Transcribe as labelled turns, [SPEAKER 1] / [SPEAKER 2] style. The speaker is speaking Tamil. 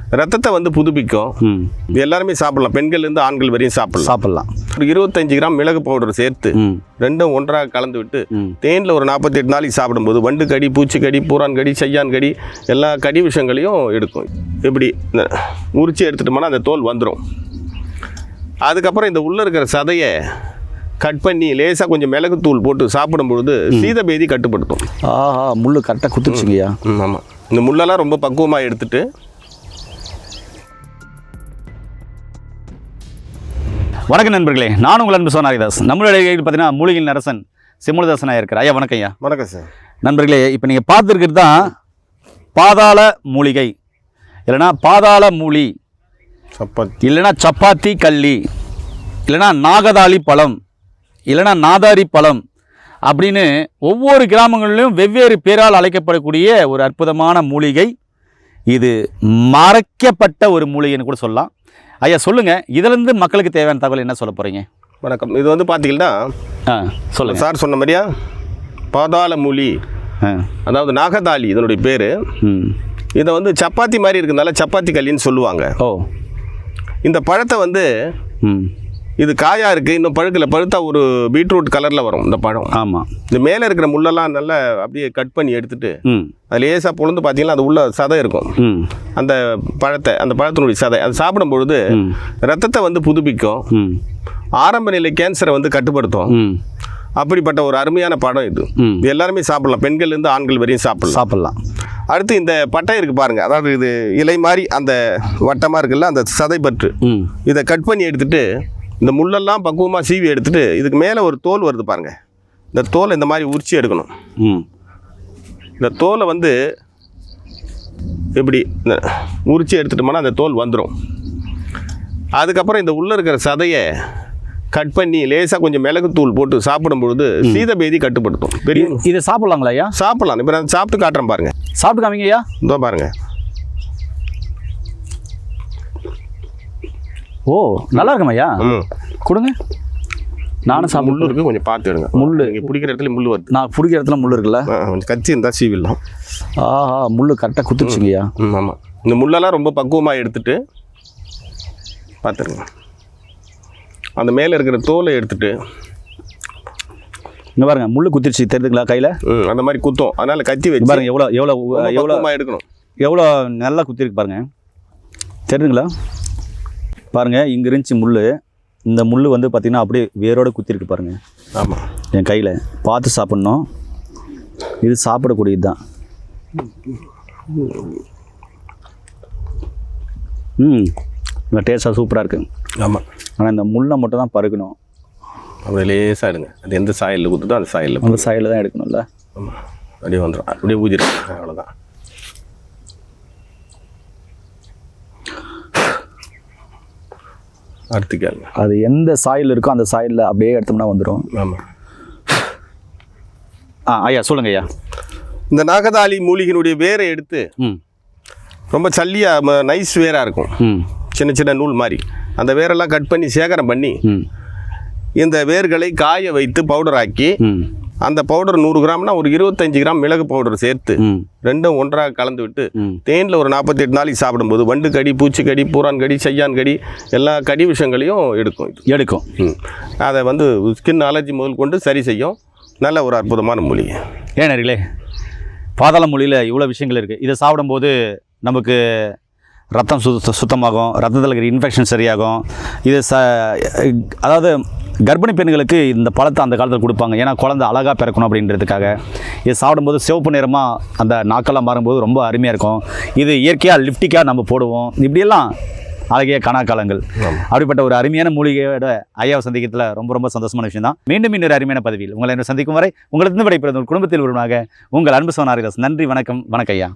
[SPEAKER 1] ரத்தத்தை வந்து புதுப்பிக்கும். இது எல்லாருமே சாப்பிடலாம், பெண்கள்லேருந்து ஆண்கள் வரையும் சாப்பிடலாம். ஒரு 25 கிராம் மிளகு பவுடர் சேர்த்து ரெண்டும் ஒன்றாக கலந்து விட்டு தேனில் ஒரு 48 நாளைக்கு சாப்பிடும்போது வண்டு கடி, பூச்சிக்கடி, பூரான் கடி, செய்யான் கடி எல்லா கடி விஷயங்களையும் எடுக்கும். இப்படி உரிச்சு எடுத்துட்டோம்னா அந்த தோல் வந்துடும். அதுக்கப்புறம் இந்த உள்ளே இருக்கிற சதையை கட் பண்ணி லேசாக கொஞ்சம் மிளகுத்தூள் போட்டு சாப்பிடும்பொழுது சீதபேதி கட்டுப்படுத்தும்.
[SPEAKER 2] முள் கரெக்டாக குத்துச்சுங்கய்யா.
[SPEAKER 1] ஆமாம், இந்த முள்ளெல்லாம் ரொம்ப பக்குவமாக எடுத்துட்டு
[SPEAKER 2] வணக்கம் நண்பர்களே, நான் உங்கள் அன்பு சோனாரிதாஸ். நம்மளுடைய பார்த்தீங்கன்னா மூலிகையின் அரசன் சிமுலதாசனாக இருக்கிற ஐயா. வணக்கம் ஐயா.
[SPEAKER 1] வணக்கம் சார்.
[SPEAKER 2] நண்பர்களே, இப்போ நீங்கள் பார்த்துருக்கிறது தான் பாதாள மூலிகை, இல்லைனா பாதாள மூலி, இல்லைனா சப்பாத்தி கள்ளி, இல்லைனா நாகதாளி பழம், இல்லைனா நாதாரி பழம் அப்படின்னு ஒவ்வொரு கிராமங்களிலும் வெவ்வேறு பேரால் அழைக்கப்படக்கூடிய ஒரு அற்புதமான மூலிகை. இது மறைக்கப்பட்ட ஒரு மூலிகைன்னு கூட சொல்லலாம். ஐயா சொல்லுங்கள், இதிலேருந்து மக்களுக்கு தேவையான தகவல் என்ன சொல்ல போகிறீங்க?
[SPEAKER 1] வணக்கம். இது வந்து பார்த்தீங்கன்னா
[SPEAKER 2] சொல்லுங்கள்
[SPEAKER 1] சார் சொன்ன மாதிரியா பாதாள மூலி, அதாவது நாகதாளி இதனுடைய பேர். இதை வந்து சப்பாத்தி மாதிரி இருக்கிறதுனால சப்பாத்தி கல்லின்னு சொல்லுவாங்க. இந்த பழத்தை வந்து இது காயாக இருக்குது, இன்னும் பழுக்கில். பழுத்தா ஒரு பீட்ரூட் கலரில் வரும் இந்த பழம். ஆமாம். இந்த மேலே இருக்கிற முள்ளெல்லாம் நல்லா அப்படியே கட் பண்ணி எடுத்துட்டு அது லேசாக பொழுது பார்த்தீங்கன்னா அது உள்ள சதை இருக்கும். அந்த பழத்தினுடைய சதை அது சாப்பிடும் பொழுது ரத்தத்தை வந்து புதுப்பிக்கும், ஆரம்ப நிலை கேன்சரை வந்து கட்டுப்படுத்தும். அப்படிப்பட்ட ஒரு அருமையான பழம் இது. இது எல்லாருமே சாப்பிடலாம், பெண்கள்லேருந்து ஆண்கள் வரையும் சாப்பிடலாம். அடுத்து இந்த பட்டை இருக்குது பாருங்கள், அதாவது இது இலை மாதிரி அந்த வட்டமாக இருக்குல்ல, அந்த சதை பற்று, இதை கட் பண்ணி எடுத்துட்டு இந்த முள்ளெல்லாம் பக்குவமாக சீவி எடுத்துட்டு இதுக்கு மேலே ஒரு தோல் வருது பாருங்கள், இந்த தோலை இந்த மாதிரி உரிச்சி எடுக்கணும். இந்த தோலை வந்து இப்படி உரிச்சி எடுத்துட்டோம்னா அந்த தோல் வந்துடும். அதுக்கப்புறம் இந்த உள்ளே இருக்கிற சதையை கட் பண்ணி லேசாக கொஞ்சம் மிளகுத்தூள் போட்டு சாப்பிடும்பொழுது சீதபேதி கட்டுப்படுத்தும். பெரிய
[SPEAKER 2] இதை சாப்பிட்லாங்களா ஐயா?
[SPEAKER 1] சாப்பிட்லாம். இப்போ நான் சாப்பிட்டு காட்டுறேன் பாருங்கள்.
[SPEAKER 2] சாப்பிட்டு காமிங்க ஐயா.
[SPEAKER 1] இதோ பாருங்கள்.
[SPEAKER 2] ஓ, நல்லா இருக்கும் ஐயா. கொடுங்க, நானும் சாப்பிட்டு.
[SPEAKER 1] முள் இருக்குது, கொஞ்சம் பார்த்து எடுங்க.
[SPEAKER 2] முள்
[SPEAKER 1] பிடிக்கிற இடத்துல முள் வருது.
[SPEAKER 2] நான் பிடிக்கிற இடத்துல முள் இருக்குல்ல,
[SPEAKER 1] கொஞ்சம் கத்தி இருந்தால் சீவிடலாம்.
[SPEAKER 2] முள் கரெக்டாக குத்துச்சுங்கய்யா.
[SPEAKER 1] ஆமாம். இந்த முள்ளெல்லாம் ரொம்ப பக்குவமாக எடுத்துட்டு பார்த்துருங்க. அந்த மேலே இருக்கிற தோலை எடுத்துட்டு
[SPEAKER 2] இங்கே பாருங்க, முள் குத்திருச்சு தெரியுதுங்களா கையில்?
[SPEAKER 1] அந்த மாதிரி குத்தும், அதனால் கத்தி வச்சு
[SPEAKER 2] பாருங்க எவ்வளோ
[SPEAKER 1] எடுக்கணும், எவ்வளோ
[SPEAKER 2] நல்லா குத்திருக்கு பாருங்க. தெரியுதுங்களா? பாருங்கள், இங்கே இருந்துச்சு முள். இந்த முள் வந்து பார்த்திங்கன்னா அப்படியே வேரோடு குத்திருக்கு பாருங்கள்.
[SPEAKER 1] ஆமாம்,
[SPEAKER 2] என் கையில். பார்த்து சாப்பிட்ணும், இது சாப்பிடக்கூடியது தான். இந்த டேஸ்ட்டாக சூப்பராக இருக்குது.
[SPEAKER 1] ஆமாம்,
[SPEAKER 2] ஆனால் இந்த முள்ளை மட்டும் தான் பருக்கணும்.
[SPEAKER 1] அப்படியே லேசாக எடுங்க. அது எந்த சாயலில் குத்துதோ அந்த சாயலில்
[SPEAKER 2] தான் எடுக்கணும்ல.
[SPEAKER 1] ஆமாம், அப்படியே வந்துடும், அப்படியே ஊதிடும், அவ்வளோதான். அடுத்துக்காங்க,
[SPEAKER 2] அது எந்த சாயில் இருக்கோ அந்த சாயிலில் அப்படியே எடுத்தோம்னா வந்துடும்.
[SPEAKER 1] ஆமாம்.
[SPEAKER 2] ஐயா சொல்லுங்க ஐயா.
[SPEAKER 1] இந்த நாகதாளி மூலிகையினுடைய வேரை எடுத்து ரொம்ப சல்லியாக நைஸ் வேராக இருக்கும், சின்ன சின்ன நூல் மாதிரி. அந்த வேரெல்லாம் கட் பண்ணி சேகரம் பண்ணி இந்த வேர்களை காய வைத்து பவுடர் ஆக்கி அந்த பவுடர் 100 கிராம்னா ஒரு 25 கிராம் மிளகு பவுடர் சேர்த்து ரெண்டும் ஒன்றாக கலந்து விட்டு தேனில் ஒரு 48 நாளைக்கு சாப்பிடும்போது வண்டு கடி, பூச்சிக்கடி, பூரான் கடி, செய்யான் கடி எல்லா கடி விஷயங்களையும் எடுக்கும். அதை வந்து ஸ்கின் அலர்ஜி முதல் கொண்டு சரி செய்யும். நல்ல ஒரு அற்புதமான மூலிகை.
[SPEAKER 2] ஏனர்களே, பாதாள மூலியில் இவ்வளோ விஷயங்கள் இருக்குது. இதை சாப்பிடும்போது நமக்கு ரத்தம் சுத்தமாகும், ரத்தத்தில் இருக்கிற இன்ஃபெக்ஷன் சரியாகும். இது அதாவது கர்ப்பிணி பெண்களுக்கு இந்த பழத்தை அந்த காலத்தில் கொடுப்பாங்க, ஏன்னா குழந்தை அழகாக பிறக்கணும் அப்படின்றதுக்காக. இது சாப்பிடும்போது சிவப்பு நிறமாக அந்த நாக்கெல்லாம் மாறும்போது ரொம்ப அருமையாக இருக்கும். இது இயற்கையாக லிப்டிக்காக நம்ம போடுவோம். இப்படியெல்லாம் அழகிய கணக்காலங்கள். அப்படிப்பட்ட ஒரு அருமையான மூலிகையோட ஐயாவை சந்திக்கிறதுல ரொம்ப ரொம்ப சந்தோஷமான விஷயம் தான். மீண்டும் இன்னொரு அருமையான பதவியில் உங்களை சந்திக்கும் வரை உங்களுக்கு விடைபெறும் குடும்பத்தில் ஒருவனாக உங்கள் அன்பு சோனாரிதாஸ். நன்றி, வணக்கம். வணக்கம் ஐயா.